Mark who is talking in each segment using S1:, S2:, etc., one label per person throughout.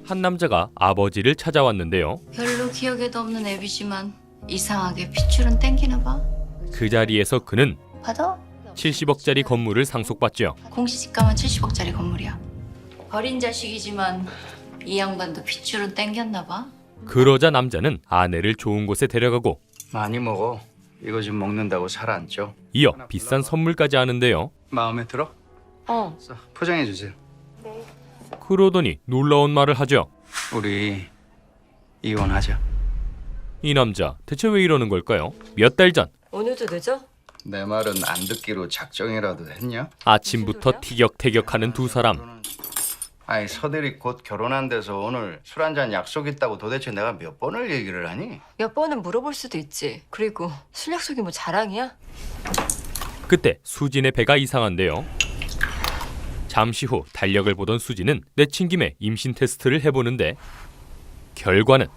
S1: 한 남자가 아버지를 찾아왔는데요.
S2: 별로 기억에도 없는 앱이지만 이상하게 핏줄은 땡기나 봐.
S1: 그 자리에서 그는
S2: 받아?
S1: 70억짜리 건물을 상속받죠.
S2: 공시지가만 70억짜리 건물이야. 버린 자식이지만 이 양반도 핏줄은 땡겼나 봐.
S1: 그러자 남자는 아내를 좋은 곳에 데려가고
S3: 많이 먹어. 이거 좀 먹는다고 살 안 쪄.
S1: 이어 비싼 선물까지 하는데요.
S3: 마음에 들어? 자, 포장해 주세요.
S1: 그러더니 놀라운 말을 하죠.
S3: 우리 이혼하자.
S1: 이 남자 대체 왜 이러는 걸까요? 몇 달 전
S4: 오늘도 늦어?
S3: 내 말은 안 듣기로 작정이라도 했냐?
S1: 아침부터 티격태격하는 두 사람.
S3: 아니 서들이 곧 결혼한 데서 오늘 술 한잔 약속 있다고 도대체 내가 몇 번을 얘기를 하니?
S4: 몇 번은 물어볼 수도 있지. 그리고 술 약속이 뭐 자랑이야?
S1: 그때 수진의 배가 이상한데요. 잠시 후 달력을 보던 수진은 내친 김에 임신 테스트를 해보는데 결과는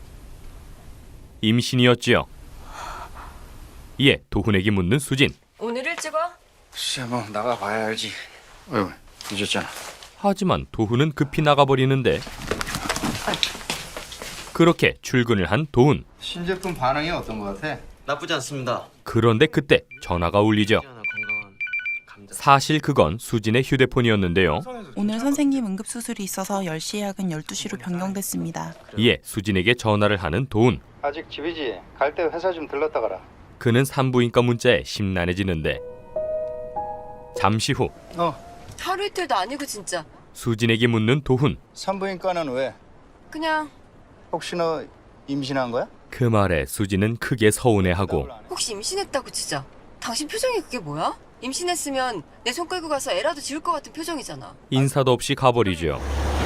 S1: 임신이었지요. 이에 도훈에게 묻는 수진.
S4: 오늘 일찍 와?
S3: 글쎄 뭐 나가봐야 알지. 어휴 늦었잖아.
S1: 하지만 도훈은 급히 나가버리는데 그렇게 출근을 한 도훈.
S3: 신제품 반응이 어떤 것 같아?
S5: 나쁘지 않습니다.
S1: 그런데 그때 전화가 울리죠.
S5: 건강한 감자.
S1: 사실 그건 수진의 휴대폰이었는데요.
S6: 오늘 선생님 응급수술이 있어서 10시 예약은 12시로 변경됐습니다.
S1: 이에 수진에게 전화를 하는 도훈.
S3: 아직 집이지. 갈 때 회사 좀 들렀다 가라.
S1: 그는 산부인과 문자에 심란해지는데 잠시 후
S4: 하루 이틀도 아니고 진짜.
S1: 수진에게 묻는 도훈.
S3: 산부인과는 왜?
S4: 그냥
S3: 혹시 너 임신한 거야?
S1: 그 말에 수진은 크게 서운해하고
S4: 혹시 임신했다고 치자. 당신 표정이 그게 뭐야? 임신했으면 내 손 끌고 가서 애라도 지울 것 같은 표정이잖아.
S1: 인사도 없이 가버리죠.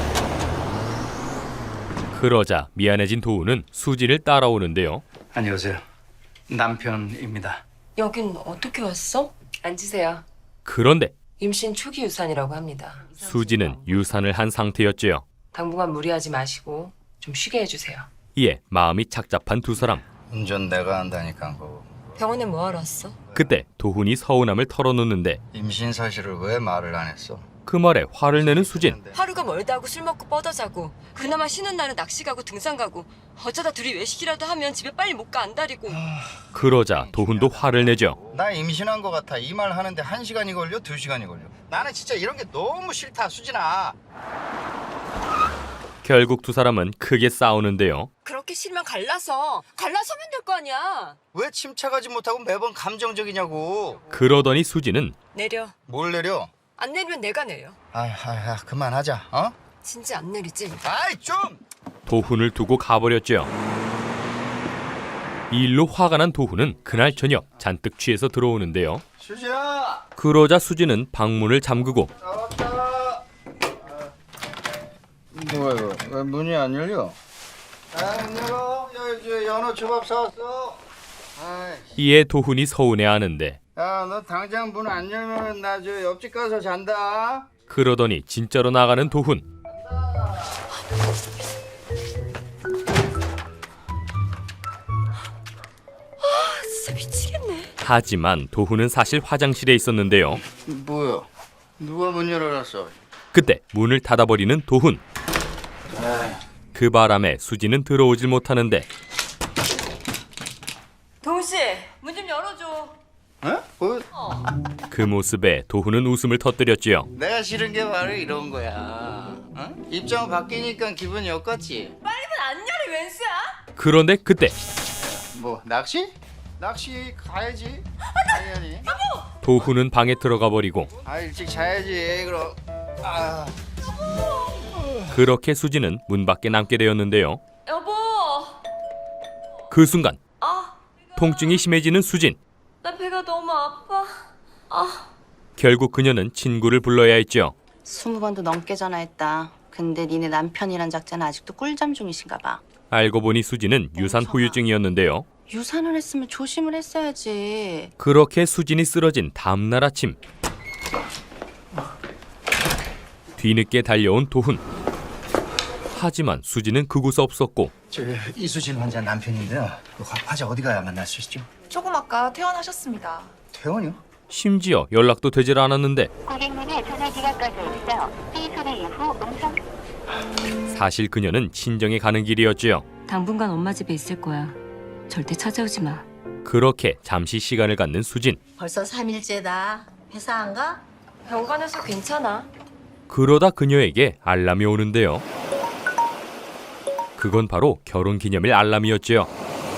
S1: 그러자 미안해진 도훈은 수진을 따라오는데요.
S3: 안녕하세요. 남편입니다.
S4: 여긴 어떻게 왔어? 앉으세요.
S1: 그런데
S4: 임신 초기 유산이라고 합니다.
S1: 수진은 유산을 한 상태였지요.
S4: 당분간 무리하지 마시고 좀 쉬게 해주세요.
S1: 이에 마음이 착잡한 두 사람.
S3: 운전 내가 한다니까 그거.
S4: 병원에 뭐하러 왔어?
S1: 그때 도훈이 서운함을 털어놓는데
S3: 임신 사실을 왜 말을 안 했어?
S1: 그 말에 화를 내는 수진.
S4: 하루가 멀다 하고 술 먹고 뻗어 자고 그나마 쉬는 날은 낚시 가고 등산 가고 어쩌다 둘이 외식이라도 하면 집에 빨리 못 가 안달이고.
S1: 그러자 도훈도 화를 내죠.
S3: 나 임신한 것 같아. 이 말 하는데 1시간이 걸려? 2시간이 걸려? 나는 진짜 이런 게 너무 싫다 수진아.
S1: 결국 두 사람은 크게 싸우는데요.
S4: 그렇게 싫으면 갈라서면 될 거 아니야.
S3: 왜 침착하지 못하고 매번 감정적이냐고.
S1: 그러더니 수진은
S4: 내려.
S3: 뭘 내려?
S4: 안 내리면 내가 내려.
S3: 그만하자. 어?
S4: 진짜 안 내리지?
S3: 아이 좀.
S1: 도훈을 두고 가버렸죠. 이 일로 화가 난 도훈은 그날 저녁 잔뜩 취해서 들어오는데요.
S3: 수진아.
S1: 그러자 수진은 방문을 잠그고
S3: 나왔다. 뭐야 이거? 왜 문이 안 열려? 문 열어. 저 연어 초밥 사왔어.
S1: 이에 도훈이 서운해하는데
S3: 야, 너 당장 문 안 열면 나 저 옆집 가서 잔다.
S1: 그러더니 진짜로 나가는 도훈.
S4: 진짜 미치겠네.
S1: 하지만 도훈은 사실 화장실에 있었는데요.
S3: 뭐야? 누가 문 열어놨어?
S1: 그때 문을 닫아버리는 도훈. 그 바람에 수진은 들어오질 못하는데
S4: 동훈 씨, 문 좀 열어줘.
S3: 어? 뭐?
S1: 그 모습에 도훈은 웃음을 터뜨렸지요.
S3: 내가 싫은 게 바로 이런 거야. 어? 입장 바뀌니까 기분이 엇같지?
S4: 빨리 문 안 열어 웬수야?
S1: 그런데 그때
S3: 뭐 낚시? 낚시 가야지. 당연히.
S1: 도훈은 방에 들어가 버리고
S3: 일찍 자야지. 그럼.
S1: 그렇게 수진은 문 밖에 남게 되었는데요.
S4: 여보.
S1: 그 순간 통증이 심해지는 수진.
S4: 나 배가 너무 아파.
S1: 결국 그녀는 친구를 불러야 했죠.
S2: 20번도 넘게 전화했다. 근데 니네 남편이란 작자는 아직도 꿀잠 중이신가 봐.
S1: 알고 보니 수진은 유산 후유증이었는데요.
S2: 유산을 했으면 조심을 했어야지.
S1: 그렇게 수진이 쓰러진 다음날 아침 뒤늦게 달려온 도훈. 하지만 수진은 그곳에 없었고
S3: 저 이수진 환자 남편인데요. 화자 어디 가야 만날 수 있죠?
S6: 조금 아까 퇴원하셨습니다.
S3: 퇴원이요?
S1: 심지어 연락도 되질 않았는데
S7: 고객님의 전화기가 꺼져 있어 삐 소리 이후 음성
S1: 사실 그녀는 친정에 가는 길이었지요.
S4: 당분간 엄마 집에 있을 거야. 절대 찾아오지 마.
S1: 그렇게 잠시 시간을 갖는 수진.
S2: 벌써 3일째다. 회사 안 가?
S4: 병원에서 괜찮아.
S1: 그러다 그녀에게 알람이 오는데요. 그건 바로 결혼기념일 알람이었지요.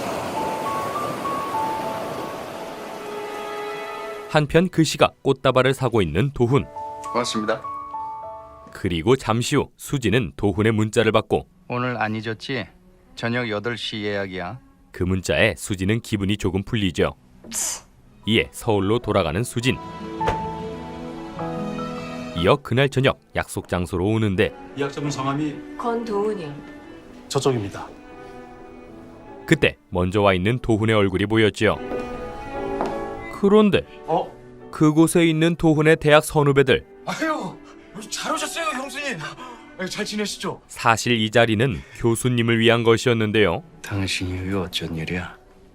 S1: 한편 그 시각 꽃다발을 사고 있는 도훈.
S3: 고맙습니다.
S1: 그리고 잠시 후 수진은 도훈의 문자를 받고
S3: 오늘 안 잊었지? 저녁 8시 예약이야.
S1: 그 문자에 수진은 기분이 조금 풀리죠. 이에 서울로 돌아가는 수진. 이어 그날 저녁 약속 장소로 오는데
S7: 예약자분 성함이
S4: 권도훈이요.
S7: 저쪽입니다.
S1: 그때 먼저 와 있는 도훈의 얼굴이 보였지요. 그런데 그곳에 있는 도훈의 대학 선후배들.
S7: 아유, 잘 오셨어요, 형수님. 잘 지내시죠?
S1: 사실 이 자리는 교수님을 위한 것이었는데요.
S3: 당신이 왜 어쩐 일이야?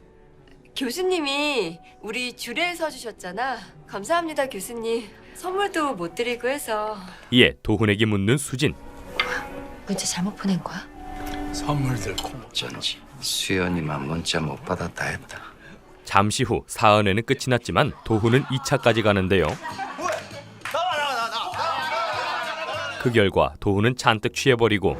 S4: 교수님이 우리 주례에 서주셨잖아. 감사합니다, 교수님. 선물도 못 드리고 해서.
S1: 이에 도훈에게 묻는 수진.
S2: 문자 잘못 보낸 거야?
S7: 선물들 콩.
S3: 어쩐지 수연이만 문자 못 받았다 했다.
S1: 잠시 후 사은회는 끝이 났지만 도훈은 2차까지 가는데요. 그 결과 도훈은 잔뜩 취해버리고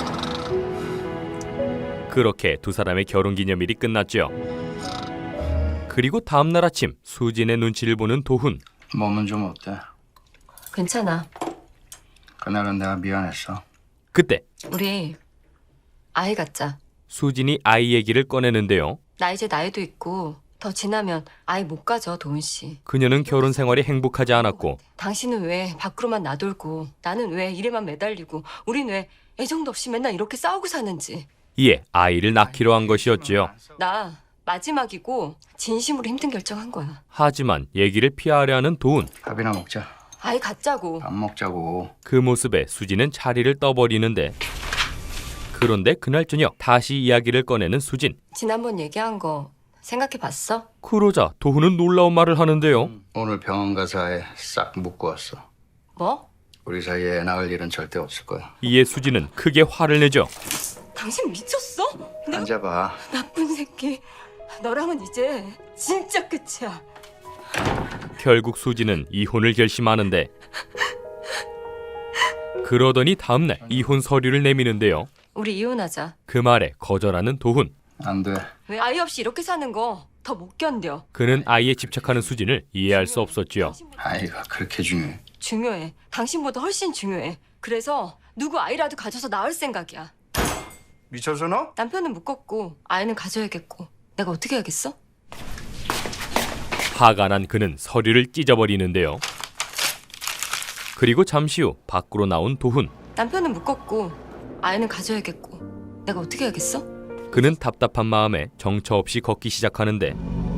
S1: 그렇게 두 사람의 결혼기념일이 끝났죠. 그리고 다음날 아침 수진의 눈치를 보는 도훈.
S3: 몸은 좀 어때?
S4: 괜찮아.
S3: 그날은 내가 미안했어.
S1: 그때
S4: 우리 아이 갖자.
S1: 수진이 아이 얘기를 꺼내는데요.
S4: 나 이제 나이도 있고 더 지나면 아이 못 가져, 도훈 씨.
S1: 그녀는 결혼 생활이 행복하지 않았고
S4: 당신은 왜 밖으로만 나돌고 나는 왜 일에만 매달리고 우린 왜 애정도 없이 맨날 이렇게 싸우고 사는지.
S1: 이에 아이를 낳기로 한 것이었지요.
S4: 나 마지막이고 진심으로 힘든 결정한 거야.
S1: 하지만 얘기를 피하려 하는 도훈.
S3: 밥이나 먹자.
S4: 아이 갖자고.
S3: 밥 먹자고.
S1: 그 모습에 수진은 자리를 떠버리는데 그런데 그날 저녁 다시 이야기를 꺼내는 수진.
S4: 지난번 얘기한 거 생각해봤어?
S1: 그러자 도훈은 놀라운 말을 하는데요.
S3: 오늘 병원 가서 애 싹 묶고 왔어.
S4: 뭐?
S3: 우리 사이에 애 낳을 일은 절대 없을 거야.
S1: 이에 수진은 크게 화를 내죠.
S4: 당신 미쳤어? 내가
S3: 앉아봐.
S4: 나쁜 새끼. 너랑은 이제 진짜 끝이야.
S1: 결국 수진은 이혼을 결심하는데 그러더니 다음날 이혼 서류를 내미는데요.
S4: 우리 이혼하자.
S1: 그 말에 거절하는 도훈.
S3: 안 돼.
S4: 왜 아이 없이 이렇게 사는 거 더 못 견뎌.
S1: 그는 아이에 집착하는 수진을 이해할 수 없었지요.
S3: 아이가 그렇게 중요해.
S4: 중요해. 당신보다 훨씬 중요해. 그래서 누구 아이라도 가져서 낳을 생각이야.
S3: 미쳐서 너?
S4: 남편은 묶었고 아이는 가져야겠고 내가 어떻게 하겠어?
S1: 화가 난 그는 서류를 찢어버리는데요. 그리고 잠시 후 밖으로 나온 도훈.
S4: 남편은 묶었고 아이는 가져야겠고 내가 어떻게 하겠어?
S1: 그는 답답한 마음에 정처 없이 걷기 시작하는데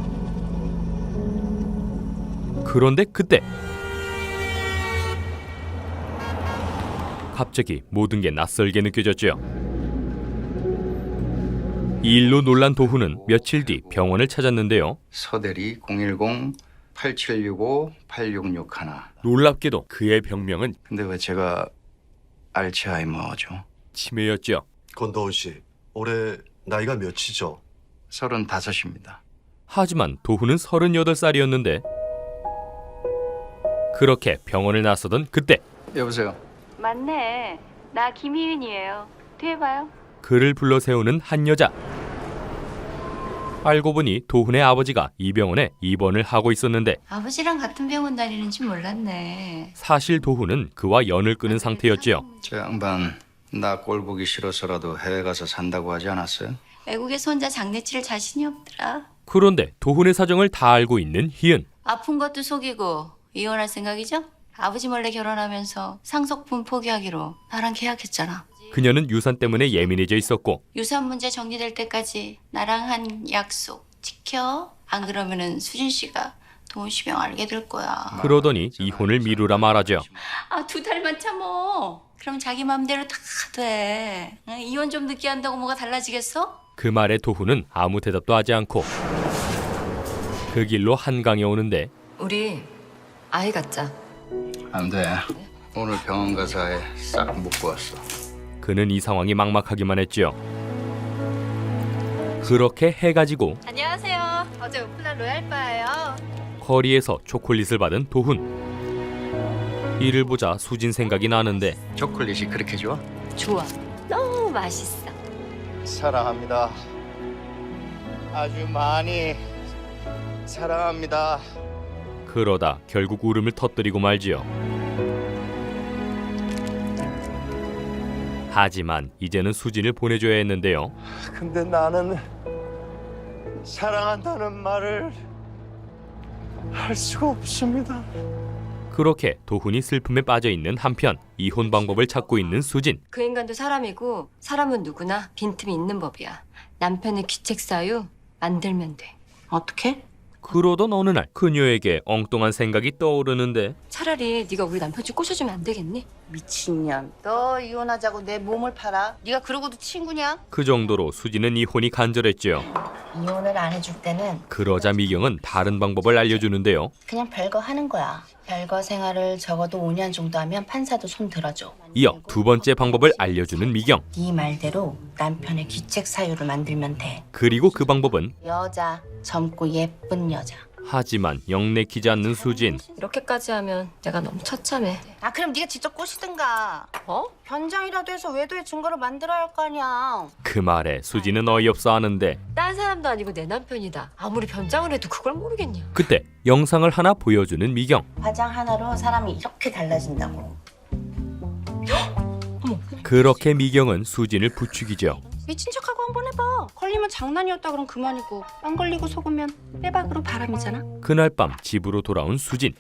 S1: 그런데 그때 갑자기 모든 게 낯설게 느껴졌죠. 이 일로 놀란 도훈은 며칠 뒤 병원을 찾았는데요.
S3: 서대리 010-8765-8661.
S1: 놀랍게도 그의 병명은
S3: 근데 왜 제가 알츠하이머죠?
S1: 치매였죠.
S7: 권도훈 씨, 올해 나이가 몇이죠?
S3: 35입니다.
S1: 하지만 도훈은 38살이었는데 그렇게 병원을 나서던 그때
S3: 여보세요.
S2: 맞네. 나 김희윤이에요. 뒤에 봐요.
S1: 그를 불러 세우는 한 여자. 알고 보니 도훈의 아버지가 이 병원에 입원을 하고 있었는데
S2: 아버지랑 같은 병원 다니는지 몰랐네.
S1: 사실 도훈은 그와 연을 끄는 상태였지요.
S3: 저 양반 나 꼴 보기 싫어서라도 해외 가서 산다고 하지 않았어요?
S2: 외국에서 혼자 장례 치를 자신이 없더라.
S1: 그런데 도훈의 사정을 다 알고 있는 희은.
S2: 아픈 것도 속이고 이혼할 생각이죠? 아버지 몰래 결혼하면서 상속분 포기하기로 나랑 계약했잖아.
S1: 그녀는 유산 때문에 예민해져 있었고
S2: 유산 문제 정리될 때까지 나랑 한 약속 지켜. 안 그러면은 수진 씨가 도훈 씨 병 알게 될 거야.
S1: 그러더니 이혼을 미루라 말하죠.
S2: 아, 2달만 참어. 그럼 자기 맘대로 다 돼. 응, 이혼 좀 늦게 한다고 뭐가 달라지겠어?
S1: 그 말에 도훈은 아무 대답도 하지 않고 그 길로 한강에 오는데
S4: 우리 아이 갖자.
S3: 안 돼. 오늘 병원 가서 애 싹 묶고 왔어.
S1: 그는 이 상황이 막막하기만 했지요. 그렇게 해가지고
S2: 안녕하세요. 어제 오픈한 로얄바예요.
S1: 거리에서 초콜릿을 받은 도훈. 이를 보자 수진 생각이 나는데
S3: 초콜릿이 그렇게 좋아?
S4: 좋아. 너무 맛있어.
S3: 사랑합니다. 아주 많이 사랑합니다.
S1: 그러다 결국 울음을 터뜨리고 말지요. 하지만 이제는 수진을 보내줘야 했는데요.
S3: 근데 나는 사랑한다는 말을 할 수가 없습니다.
S1: 그렇게 도훈이 슬픔에 빠져있는 한편 이혼 방법을 찾고 있는 수진.
S4: 그 인간도 사람이고 사람은 누구나 빈틈이 있는 법이야. 남편의 귀책 사유 만들면 돼.
S2: 어떻게?
S1: 그러던 어느 날 그녀에게 엉뚱한 생각이 떠오르는데
S4: 차라리 네가 우리 남편 좀 꼬셔주면 안 되겠니?
S2: 미친년. 너 이혼하자고 내 몸을 팔아? 네가 그러고도 친구냐?
S1: 그 정도로 수진은 이혼이 간절했지요.
S2: 이혼을 안 해줄 때는
S1: 그러자 미경은 다른 방법을 알려주는데요.
S2: 그냥 별거 하는 거야. 별거 생활을 적어도 5년 정도 하면 판사도 손 들어줘.
S1: 이어 두 번째 방법을 알려주는 미경.
S2: 네 말대로 남편의 귀책 사유를 만들면 돼.
S1: 그리고 그 방법은
S2: 여자, 젊고 예쁜 여자.
S1: 하지만 영 내키지 않는 수진.
S4: 이렇게까지 하면 내가 너무 처참해.
S2: 아 그럼 네가 직접 꼬시든가.
S4: 어?
S2: 변장이라도 해서 외도의 증거를 만들어야 할 거 아니야.
S1: 그 말에 수진은 어이없어 하는데
S4: 딴 사람도 아니고 내 남편이다. 아무리 변장을 해도 그걸 모르겠냐.
S1: 그때 영상을 하나 보여주는 미경.
S2: 화장 하나로 사람이 이렇게 달라진다고.
S1: 그렇게 미경은 수진을 부추기죠.
S2: 미친 척하고 한번 해봐. 걸리면 장난이었다 그럼 그만이고 안 걸리고 속으면 빼박으로 바람이잖아.
S1: 그날 밤 집으로 돌아온 수진.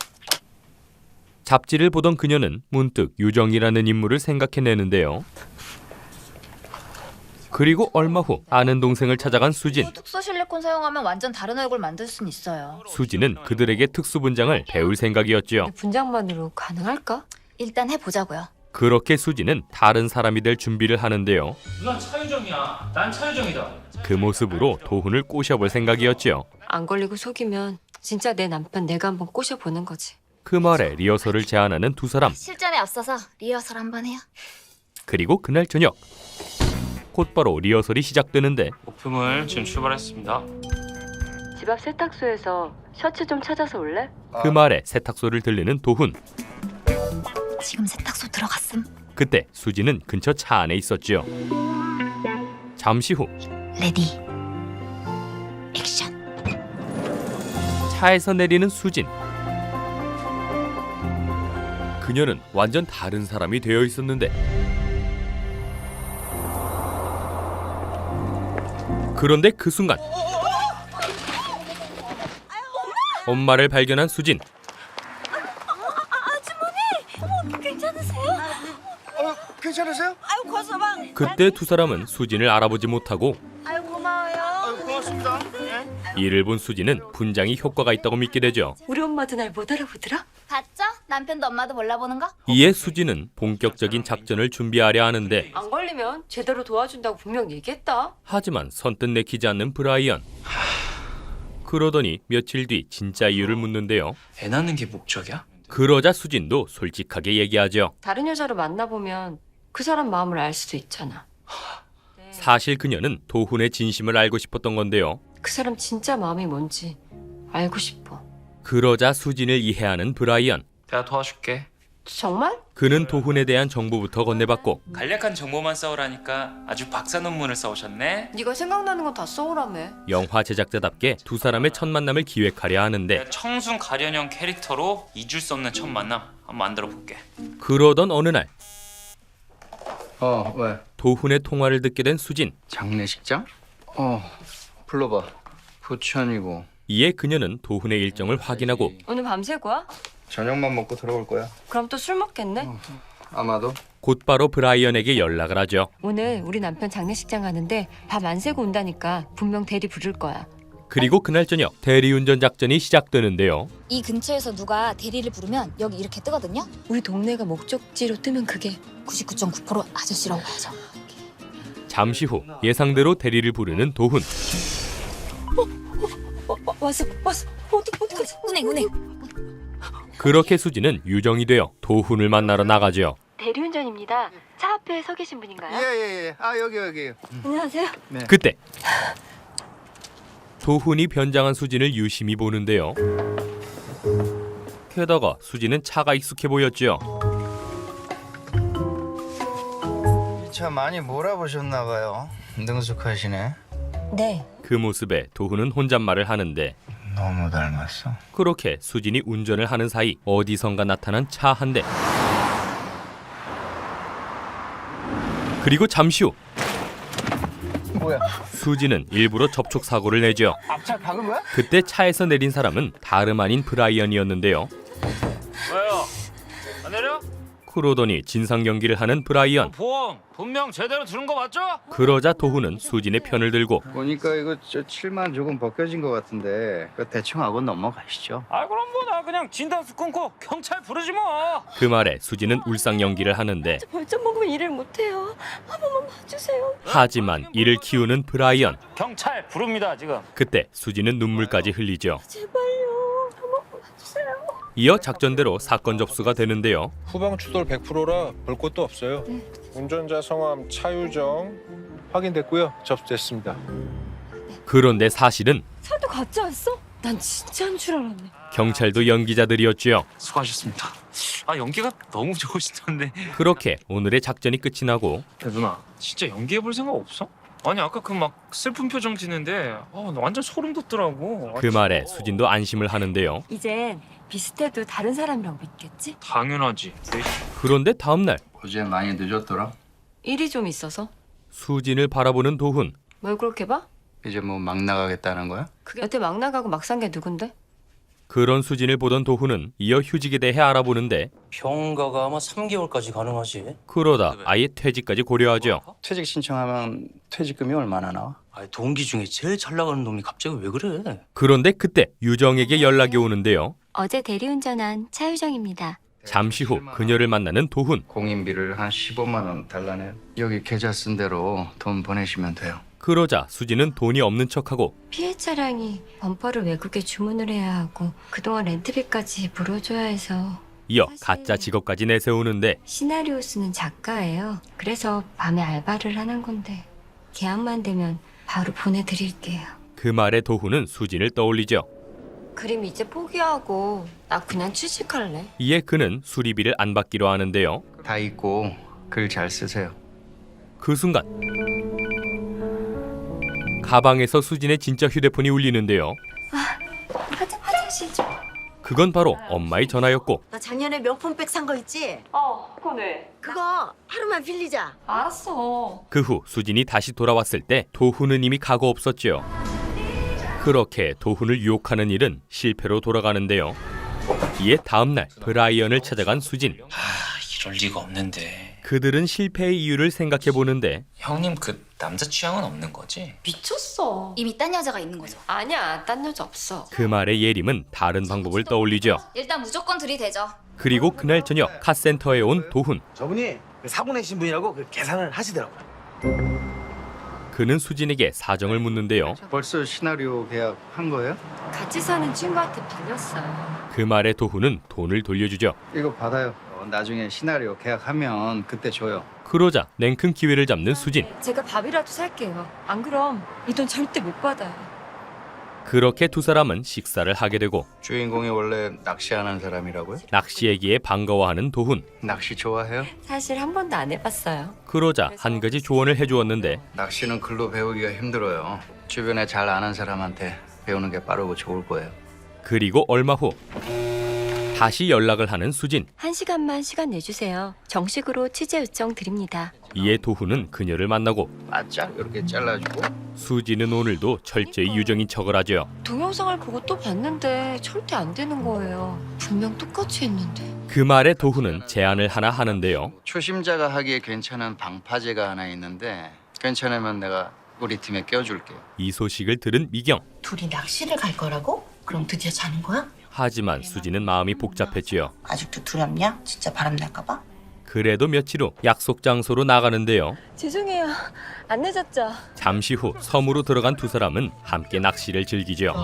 S1: 잡지를 보던 그녀는 문득 유정이라는 인물을 생각해내는데요. 그리고 얼마 후 아는 동생을 찾아간 수진.
S8: 특수 실리콘 사용하면 완전 다른 얼굴 만들 순 있어요.
S1: 수진은 그들에게 특수 분장을 배울 생각이었지요.
S4: 내 분장만으로 가능할까?
S8: 일단 해보자고요.
S1: 그렇게 수진은 다른 사람이 될 준비를 하는데요.
S5: 누나 차유정이야. 난 차유정이다.
S1: 그 모습으로 도훈을 꼬셔볼 생각이었지요.
S4: 안 걸리고 속이면 진짜 내 남편 내가 한번 꼬셔보는 거지.
S1: 그 말에 리허설을 제안하는 두 사람.
S8: 실전에 앞서서 리허설 한번 해요.
S1: 그리고 그날 저녁 곧바로 리허설이 시작되는데
S5: 오픈을 지금 출발했습니다.
S4: 집 앞 세탁소에서 셔츠 좀 찾아서 올래?
S1: 그 말에 세탁소를 들르는 도훈.
S8: 지금 세탁소 들어갔음.
S1: 그때 수지는 근처 차 안에 있었지요. 잠시 후
S8: 레디. 액션.
S1: 차에서 내리는 수진. 그녀는 완전 다른 사람이 되어 있었는데 그런데 그 순간 엄마를 발견한 수진.
S3: 괜찮으세요?
S1: 그때 두 사람은 수진을 알아보지 못하고
S3: 아유, 고맙습니다. 예?
S1: 이를 본 수진은 분장이 효과가 있다고 믿게 되죠.
S4: 우리 엄마도 날 못 알아보더라?
S8: 봤죠? 남편도 엄마도 몰라보는 거?
S1: 이에 수진은 본격적인 작전을 준비하려 하는데
S4: 안 걸리면 제대로 도와준다고 분명 얘기했다.
S1: 하지만 선뜻 내키지 않는 브라이언. 그러더니 며칠 뒤 진짜 이유를 묻는데요.
S5: 애 낳는 게 목적이야?
S1: 그러자 수진도 솔직하게 얘기하죠.
S4: 다른 여자를 만나보면 그 사람 마음을 알 수도 있잖아.
S1: 사실 그녀는 도훈의 진심을 알고 싶었던 건데요.
S4: 그 사람 진짜 마음이 뭔지 알고 싶어.
S1: 그러자 수진을 이해하는 브라이언.
S5: 내가 도와줄게.
S4: 정말?
S1: 그는 도훈에 대한 정보부터 건네받고
S9: 간략한 정보만 써오라니까 아주 박사 논문을 써오셨네.
S4: 네가 생각나는 건 다 써오라며.
S1: 영화 제작자답게 두 사람의 첫 만남을 기획하려 하는데
S9: 내가 청순 가련형 캐릭터로 잊을 수 없는 첫 만남 한번 만들어 볼게.
S1: 그러던 어느 날
S3: 왜?
S1: 도훈의 통화를 듣게 된 수진.
S3: 장례식장? 불러봐. 부천이고
S1: 이에 그녀는 도훈의 일정을 확인하고
S4: 오늘 밤새고 와?
S3: 저녁만 먹고 들어올 거야.
S4: 그럼 또 술 먹겠네?
S3: 아마도.
S1: 곧바로 브라이언에게 연락을 하죠.
S4: 오늘 우리 남편 장례식장 가는데 밤 안 새고 온다니까 분명 대리 부를 거야.
S1: 그리고 그날 저녁 대리운전 작전이 시작되는데요.
S8: 이 근처에서 누가 대리를 부르면 여기 이렇게 뜨거든요.
S4: 우리 동네가 목적지로 뜨면 그게
S8: 99.9% 아저씨라고 봐야죠.
S1: 잠시 후 예상대로 대리를 부르는 도훈.
S4: 왔어 어떡하지?
S8: 운행.
S1: 그렇게 수지는 유정이 되어 도훈을 만나러 나가죠.
S4: 대리운전입니다. 입니다. 차 앞에 서 계신 분인가요?
S3: 예예예. 아 여기.
S4: 안녕하세요.
S1: 그때 도훈이 변장한 수진을 유심히 보는데요. 게다가 수진은 차가 익숙해 보였죠.
S3: 이 차 많이 몰아보셨나 봐요. 능숙하시네.
S4: 네.
S1: 그 모습에 도훈은 혼잣말을 하는데
S3: 너무 닮았어.
S1: 그렇게 수진이 운전을 하는 사이 어디선가 나타난 차 한 대. 그리고 잠시 후
S3: 뭐야?
S1: 수진은 일부러 접촉 사고를 내죠.
S3: 앞차 박은 거야?
S1: 그때 차에서 내린 사람은 다름 아닌 브라이언이었는데요.
S5: 왜요? 안 내려?
S1: 그러더니 진상 경기를 하는 브라이언.
S5: 보험 분명 제대로 들은 거 맞죠?
S1: 그러자 도훈은 수진의 편을 들고
S3: 보니까 이거 저 7만 조금 벗겨진 것 같은데 그 대충 하고 넘어가시죠.
S5: 아 그럼 뭐 나 그냥 진단수 끊고 경찰 부르지 뭐.
S1: 그 말에 수진은 울상 연기를 하는데
S4: 벌점 먹으면 일을 못해요. 한 번만 봐주세요.
S1: 하지만 이를 키우는 브라이언.
S5: 경찰 부릅니다 지금.
S1: 그때 수진은 눈물까지 흘리죠.
S4: 제발요. 한 번만 봐주세요.
S1: 이어 작전대로 사건 접수가 되는데요.
S7: 후방 추돌 100%라 볼 것도 없어요. 운전자 성함 차유정 확인됐고요. 접수됐습니다.
S1: 그런데 사실은
S4: 차도 가짜였어? 난 진짜인 줄 알았네.
S1: 경찰도 연기자들이었지요.
S5: 수고하셨습니다. 아 연기가 너무 좋으시던데.
S1: 그렇게 오늘의 작전이 끝이 나고
S5: 야, 누나 진짜 연기해 볼 생각 없어? 아니 아까 그 막 슬픈 표정 짓는데 나 완전 소름 돋더라고.
S1: 그 말에 수진도 안심을 하는데요.
S4: 이젠 비슷해도 다른 사람이라고 믿겠지?
S5: 당연하지.
S1: 그런데 다음날
S3: 어제 많이 늦었더라.
S4: 일이 좀 있어서.
S1: 수진을 바라보는 도훈.
S4: 뭘 그렇게 봐?
S3: 이제 뭐 막 나가겠다는 거야?
S4: 여태 막 나가고 막 산 게 누군데?
S1: 그런 수진을 보던 도훈은 이어 휴직에 대해 알아보는데
S10: 병가가 아마 3개월까지 가능하지.
S1: 그러다 아예 퇴직까지 고려하죠.
S3: 퇴직 신청하면 퇴직금이 얼마나 나와?
S10: 아, 동기 중에 제일 잘 나가는 놈이 갑자기 왜 그래?
S1: 그런데 그때 유정에게 연락이 오는데요.
S2: 어제 대리운전한 차유정입니다.
S1: 잠시 후 그녀를 만나는 도훈.
S3: 공인비를 한 15만 원 달라네요. 여기 계좌 쓴 대로 돈 보내시면 돼요.
S1: 그러자 수진은 돈이 없는 척하고
S2: 피해 차량이 범퍼를 외국에 주문을 해야 하고 그동안 렌트비까지 물어줘야 해서
S1: 이어 가짜 직업까지 내세우는데
S2: 시나리오 쓰는 작가예요. 그래서 밤에 알바를 하는 건데 계약만 되면 바로 보내드릴게요.
S1: 그 말에 도훈은 수진을 떠올리죠.
S4: 그림 이제 포기하고 나 그냥 취직할래.
S1: 이에 그는 수리비를 안 받기로 하는데요.
S3: 다 있고 글 잘 쓰세요.
S1: 그 순간 가방에서 수진의 진짜 휴대폰이 울리는데요.
S2: 화장실 좀.
S1: 그건 바로 엄마의 전화였고
S11: 나 작년에 명품백 산 거 있지?
S4: 그건 왜?
S11: 그거 하루만 빌리자.
S4: 알았어.
S1: 그 후 수진이 다시 돌아왔을 때 도훈은 이미 가고 없었죠. 그렇게 도훈을 유혹하는 일은 실패로 돌아가는데요. 이에 다음날 브라이언을 찾아간 수진.
S9: 이럴 리가 없는데.
S1: 그들은 실패의 이유를 생각해보는데
S9: 형님 그 남자 취향은 없는 거지?
S4: 미쳤어.
S8: 이미 딴 여자가 있는 거죠.
S4: 아니야, 딴 여자 없어.
S1: 그 말에 예림은 다른 방법을 떠올리죠.
S8: 일단 무조건 들이대죠.
S1: 그리고 그날 저녁 카센터에 온 도훈.
S7: 저분이 사고 내신 분이라고 계산을 하시더라고요.
S1: 그는 수진에게 사정을 묻는데요.
S3: 벌써 시나리오 계약 한 거예요?
S4: 같이 사는 친구한테 빌렸어요.
S1: 그 말에 도훈은 돈을 돌려주죠.
S3: 이거 받아요. 나중에 시나리오 계약하면 그때 줘요.
S1: 그러자 냉큼 기회를 잡는 수진.
S4: 제가 밥이라도 살게요. 안 그럼 이 돈 절대 못 받아요.
S1: 그렇게 두 사람은 식사를 하게 되고
S3: 주인공이 원래 낚시하는 사람이라고요?
S1: 낚시 얘기에 반가워하는 도훈.
S3: 낚시 좋아해요?
S4: 사실 한 번도 안 해봤어요.
S1: 그러자 한 가지 조언을 해주었는데
S3: 낚시는 글로 배우기가 힘들어요. 주변에 잘 아는 사람한테 배우는 게 빠르고 좋을 거예요.
S1: 그리고 얼마 후 다시 연락을 하는 수진.
S4: 1시간만 시간 내주세요. 정식으로 취재 요청 드립니다.
S1: 이에 도훈은 그녀를 만나고
S3: 바짝 이렇게 잘라주고
S1: 수진은 오늘도 철저히 유정인 척을 하죠.
S4: 동영상을 보고 또 봤는데 절대 안 되는 거예요. 분명 똑같이 했는데.
S1: 그 말에 도훈은 제안을 하나 하는데요.
S3: 초심자가 하기에 괜찮은 방파제가 하나 있는데 괜찮으면 내가 우리 팀에 껴줄게요.
S1: 이 소식을 들은 미경.
S11: 둘이 낚시를 갈 거라고? 그럼 드디어 자는 거야?
S1: 하지만 수진은 마음이 복잡했지요.
S11: 아직도 두렵냐? 진짜 바람 날까 봐?
S1: 그래도 며칠 후 약속 장소로 나가는데요.
S4: 죄송해요. 안 늦었죠?
S1: 잠시 후 섬으로 들어간 두 사람은 함께 낚시를 즐기죠.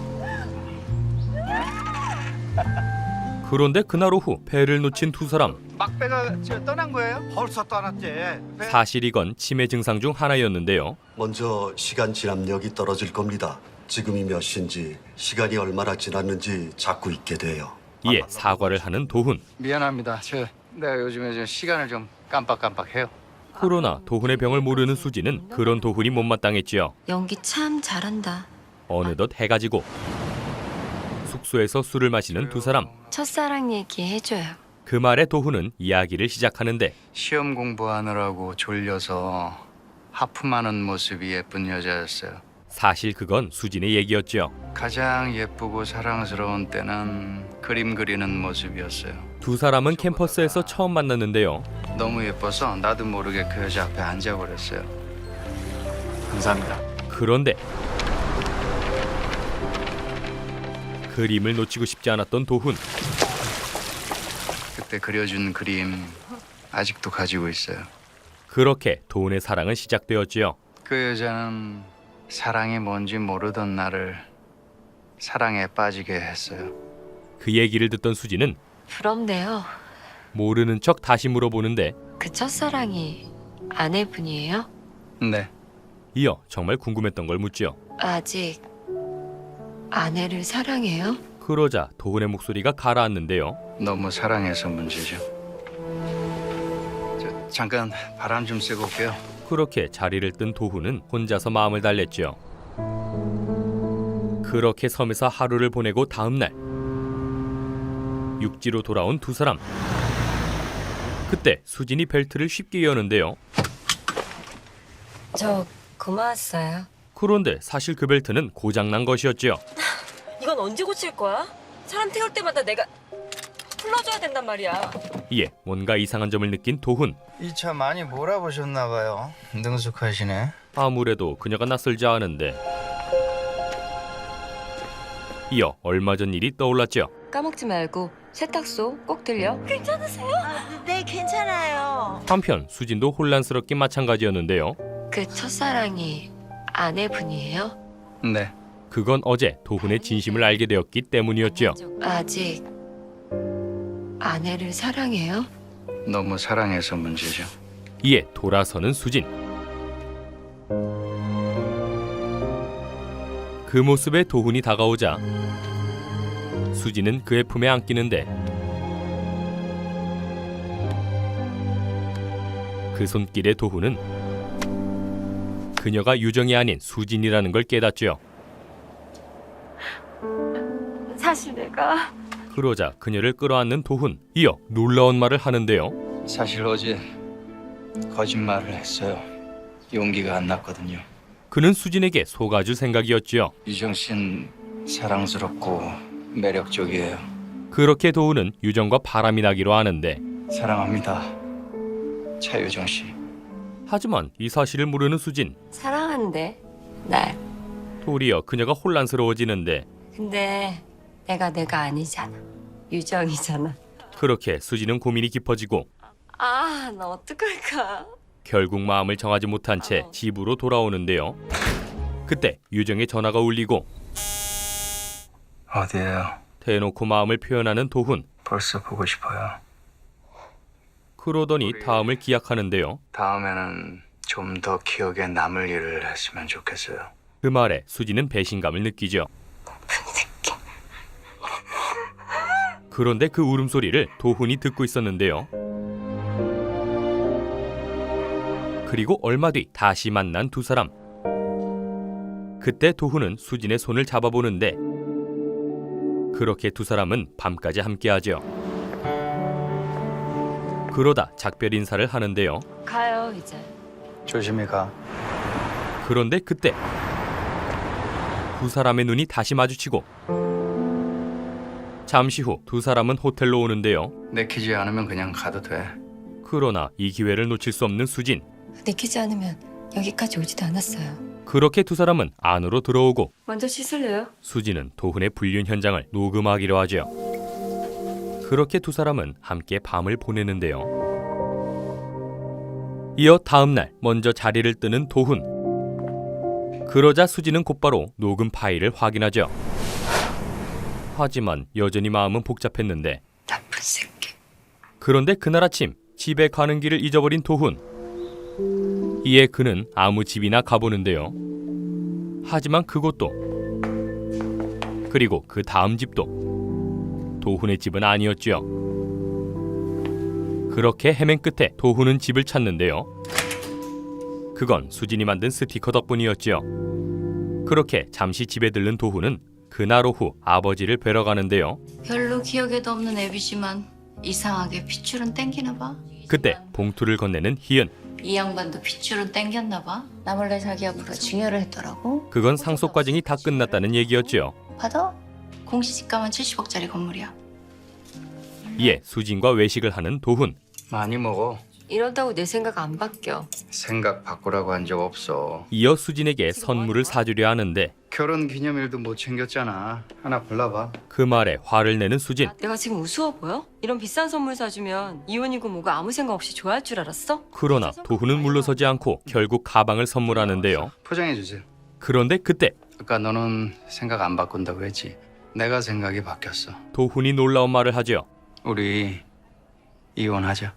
S1: 그런데 그날 오후 배를 놓친 두 사람.
S3: 막배가 떠난 거예요?
S12: 벌써 떠났지.
S1: 사실 이건 치매 증상 중 하나였는데요.
S12: 먼저 시간 지압력이 떨어질 겁니다. 지금이 몇 시인지 시간이 얼마나 지났는지 자꾸 잊게 돼요.
S1: 이에 사과를 하는 도훈.
S3: 미안합니다. 내가 요즘에 좀 시간을 좀 깜빡깜빡해요.
S1: 그러나 도훈의 병을 모르는 수지는 그런 도훈이 못마땅했지요.
S2: 연기 참 잘한다.
S1: 어느덧 해가 지고 숙소에서 술을 마시는 두 사람.
S2: 첫사랑 얘기 해줘요.
S1: 그 말에 도훈은 이야기를 시작하는데
S3: 시험 공부하느라고 졸려서 하품하는 모습이 예쁜 여자였어요.
S1: 사실 그건 수진의 얘기였죠.
S3: 가장 예쁘고 사랑스러운 때는 그림 그리는 모습이었어요.
S1: 두 사람은 캠퍼스에서 처음 만났는데요.
S3: 너무 예뻐서 나도 모르게 그 여자 앞에 앉아버렸어요. 감사합니다.
S1: 그런데 그림을 놓치고 싶지 않았던 도훈.
S3: 그때 그려준 그림 아직도 가지고 있어요.
S1: 그렇게 도훈의 사랑은 시작되었지요.
S3: 그 여자는 사랑이 뭔지 모르던 나를 사랑에 빠지게 했어요.
S1: 그 얘기를 듣던 수지는
S4: 부럽네요.
S1: 모르는 척 다시 물어보는데
S4: 그 첫사랑이 아내분이에요?
S3: 네.
S1: 이어 정말 궁금했던 걸 묻지요.
S4: 아직 아내를 사랑해요?
S1: 그러자 도훈의 목소리가 가라앉는데요.
S3: 너무 사랑해서 문제죠. 잠깐 바람 좀 쐬고 올게요.
S1: 그렇게 자리를 뜬 도훈은 혼자서 마음을 달랬지요. 그렇게 섬에서 하루를 보내고 다음 날 육지로 돌아온 두 사람. 그때 수진이 벨트를 쉽게 여는데요.
S4: 저 고마웠어요.
S1: 그런데 사실 그 벨트는 고장난 것이었지요.
S4: 이건 언제 고칠 거야? 사람 태울 때마다 내가 풀러줘야 된단 말이야.
S1: 이에 뭔가 이상한 점을 느낀 도훈.
S3: 이 차 많이 몰아보셨나 봐요. 능숙하시네.
S1: 아무래도 그녀가 낯설지 않은데. 이어 얼마 전 일이 떠올랐죠.
S4: 까먹지 말고 세탁소 꼭 들려. 괜찮으세요?
S11: 네, 괜찮아요.
S1: 한편 수진도 혼란스럽긴 마찬가지였는데요.
S4: 그 첫사랑이 아내분이에요?
S3: 네.
S1: 그건 어제 도훈의 진심을 알게 되었기 때문이었지요.
S4: 아직 아내를 사랑해요?
S3: 너무 사랑해서 문제죠.
S1: 이에 돌아서는 수진. 그 모습에 도훈이 다가오자 수진은 그의 품에 안기는데 그 손길에 도훈은 그녀가 유정이 아닌 수진이라는 걸 깨닫지요.
S4: 사실 내가
S1: 그러자 그녀를 끌어안는 도훈. 이어 놀라운 말을 하는데요.
S3: 사실 어제 거짓말을 했어요. 용기가 안 났거든요.
S1: 그는 수진에게 속아줄 생각이었지요.
S3: 유정 씨는 사랑스럽고 매력적이에요.
S1: 그렇게 도훈은 유정과 바람이 나기로 하는데
S3: 사랑합니다. 차유정 씨.
S1: 하지만 이 사실을 모르는 수진.
S4: 사랑한대 날.
S1: 도리어 그녀가 혼란스러워지는데
S4: 근데 내가 아니잖아. 유정이잖아.
S1: 그렇게 수진은 고민이 깊어지고
S4: 아, 나 어떡할까?
S1: 결국 마음을 정하지 못한 채 집으로 돌아오는데요. 그때 유정의 전화가 울리고
S3: 어디에요?
S1: 대놓고 마음을 표현하는 도훈.
S3: 벌써 보고 싶어요.
S1: 그러더니 다음을 기약하는데요.
S3: 다음에는 좀 더 기억에 남을 일을 했으면 좋겠어요.
S1: 그 말에 수진은 배신감을 느끼죠. 그런데 그 울음소리를 도훈이 듣고 있었는데요. 그리고 얼마 뒤 다시 만난 두 사람. 그때 도훈은 수진의 손을 잡아보는데 그렇게 두 사람은 밤까지 함께하죠. 그러다 작별 인사를 하는데요.
S4: 가요 이제.
S3: 조심히 가.
S1: 그런데 그때 두 사람의 눈이 다시 마주치고 잠시 후 두 사람은 호텔로 오는데요.
S3: 내키지 않으면 그냥 가도 돼.
S1: 그러나 이 기회를 놓칠 수 없는 수진.
S4: 내키지 않으면 여기까지 오지도 않았어요.
S1: 그렇게 두 사람은 안으로 들어오고
S4: 먼저 씻을래요?
S1: 수진은 도훈의 불륜 현장을 녹음하기로 하죠. 그렇게 두 사람은 함께 밤을 보내는데요. 이어 다음 날 먼저 자리를 뜨는 도훈. 그러자 수진은 곧바로 녹음 파일을 확인하죠. 하지만 여전히 마음은 복잡했는데
S4: 나쁜 새끼.
S1: 그런데 그날 아침 집에 가는 길을 잊어버린 도훈. 이에 그는 아무 집이나 가보는데요. 하지만 그곳도 그리고 그 다음 집도 도훈의 집은 아니었지요. 그렇게 헤맨 끝에 도훈은 집을 찾는데요. 그건 수진이 만든 스티커 덕분이었지요. 그렇게 잠시 집에 들른 도훈은 그날 오후 아버지를 뵈러 가는데요.
S2: 별로 기억에도 없는 애비지만 이상하게 핏줄은 땡기나 봐.
S1: 그때 봉투를 건네는 희은.
S2: 이 양반도 핏줄은 땡겼나 봐. 나 몰래 자기 앞으로 증여를 했더라고.
S1: 그건 상속 과정이 다 끝났다는 얘기였지요.
S2: 받아? 공시지가만 70억짜리 건물이야.
S1: 이에 수진과 외식을 하는 도훈.
S3: 많이 먹어.
S4: 이런다고 내 생각 안 바뀌어.
S3: 생각 바꾸라고 한 적 없어.
S1: 이어 수진에게 선물을 사주려 하는데
S3: 결혼 기념일도 못 챙겼잖아. 하나 골라봐.
S1: 그 말에 화를 내는 수진.
S4: 내가 지금 우스워 보여? 이런 비싼 선물 사주면 이혼이고 뭐고 아무 생각 없이 좋아할 줄 알았어?
S1: 그러나 도훈은 물러서지 않고 결국 가방을 선물하는데요.
S3: 포장해 주세요.
S1: 그런데 그때
S3: 아까 너는 생각 안 바꾼다고 했지. 내가 생각이 바뀌었어.
S1: 도훈이 놀라운 말을 하죠.
S3: 우리 이혼하자.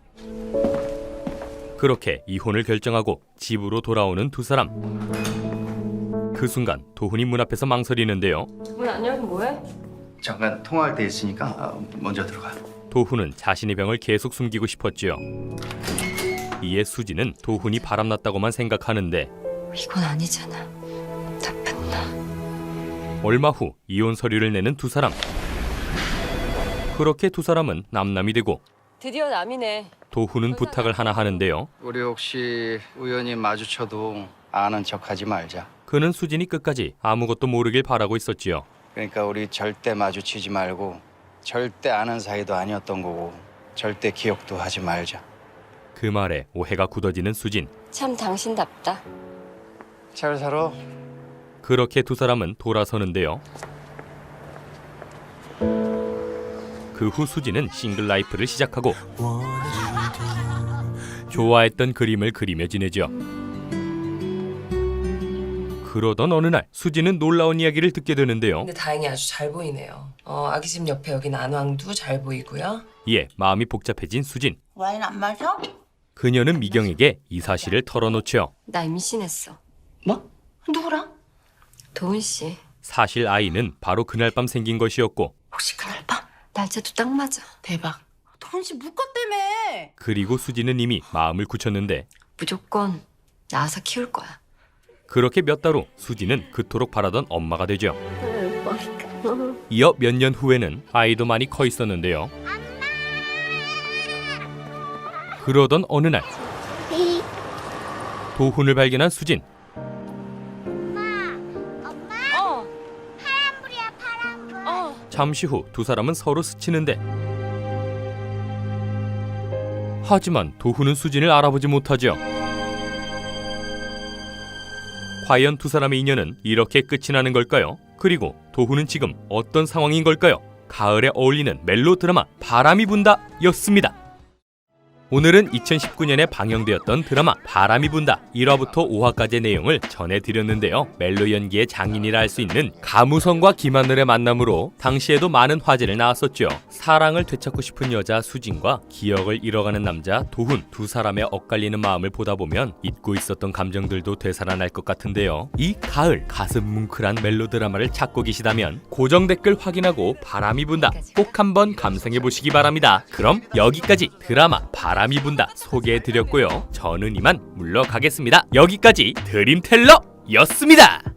S1: 그렇게 이혼을 결정하고 집으로 돌아오는 두 사람. 그 순간 도훈이 문 앞에서 망설이는데요.
S4: 문 안 열고 뭐해?
S3: 잠깐 통화할 때 있으니까 먼저 들어가.
S1: 도훈은 자신의 병을 계속 숨기고 싶었지요. 이에 수진은 도훈이 바람났다고만 생각하는데
S4: 이건 아니잖아. 나쁜
S1: 얼마 후 이혼 서류를 내는 두 사람. 그렇게 두 사람은 남남이 되고
S4: 드디어 남이네.
S1: 도훈은 부탁을 하나 하는데요.
S3: 우리 혹시 우연히 마주쳐도 아는 척하지 말자.
S1: 그는 수진이 끝까지 아무것도 모르길 바라고 있었지요.
S3: 그러니까 우리 절대 마주치지 말고 절대 아는 사이도 아니었던 거고 절대 기억도 하지 말자.
S1: 그 말에 오해가 굳어지는 수진.
S4: 참 당신답다.
S3: 잘 살아.
S1: 그렇게 두 사람은 돌아서는데요. 그 후 수진은 싱글 라이프를 시작하고 좋아했던 그림을 그리며 지내죠. 그러던 어느 날 수진은 놀라운 이야기를 듣게 되는데요.
S13: 근데 다행히 아주 잘 보이네요. 아기집 옆에 여기 난왕도 잘 보이고요.
S1: 이에 마음이 복잡해진 수진.
S11: 와인 안 마셔?
S1: 그녀는 미경에게 이 사실을 털어놓죠.
S4: 나 임신했어.
S11: 뭐? 누구랑?
S4: 도훈 씨.
S1: 사실 아이는 바로 그날 밤 생긴 것이었고
S11: 혹시 그날 밤?
S4: 날짜도 딱 맞아.
S11: 대박. 돈씨 묶었다며.
S1: 그리고 수진은 이미 마음을 굳혔는데
S4: 무조건 낳아서 키울 거야.
S1: 그렇게 몇 달 후 수진은 그토록 바라던 엄마가 되죠. 이어 몇 년 후에는 아이도 많이 커 있었는데요. 그러던 어느 날 도훈을 발견한 수진. 잠시 후 두 사람은 서로 스치는데 하지만 도훈은 수진을 알아보지 못하죠. 과연 두 사람의 인연은 이렇게 끝이 나는 걸까요? 그리고 도훈은 지금 어떤 상황인 걸까요? 가을에 어울리는 멜로 드라마 바람이 분다 였습니다. 오늘은 2019년에 방영되었던 드라마 바람이 분다 1화부터 5화까지의 내용을 전해드렸는데요. 멜로 연기의 장인이라 할 수 있는 가무성과 김하늘의 만남으로 당시에도 많은 화제를 낳았었죠. 사랑을 되찾고 싶은 여자 수진과 기억을 잃어가는 남자 도훈, 두 사람의 엇갈리는 마음을 보다 보면 잊고 있었던 감정들도 되살아날 것 같은데요. 이 가을 가슴 뭉클한 멜로 드라마를 찾고 계시다면 고정 댓글 확인하고 바람이 분다 꼭 한번 감상해보시기 바랍니다. 그럼 여기까지 드라마 바람이 분다 소개해드렸고요. 저는 이만 물러가겠습니다. 여기까지 드림텔러였습니다.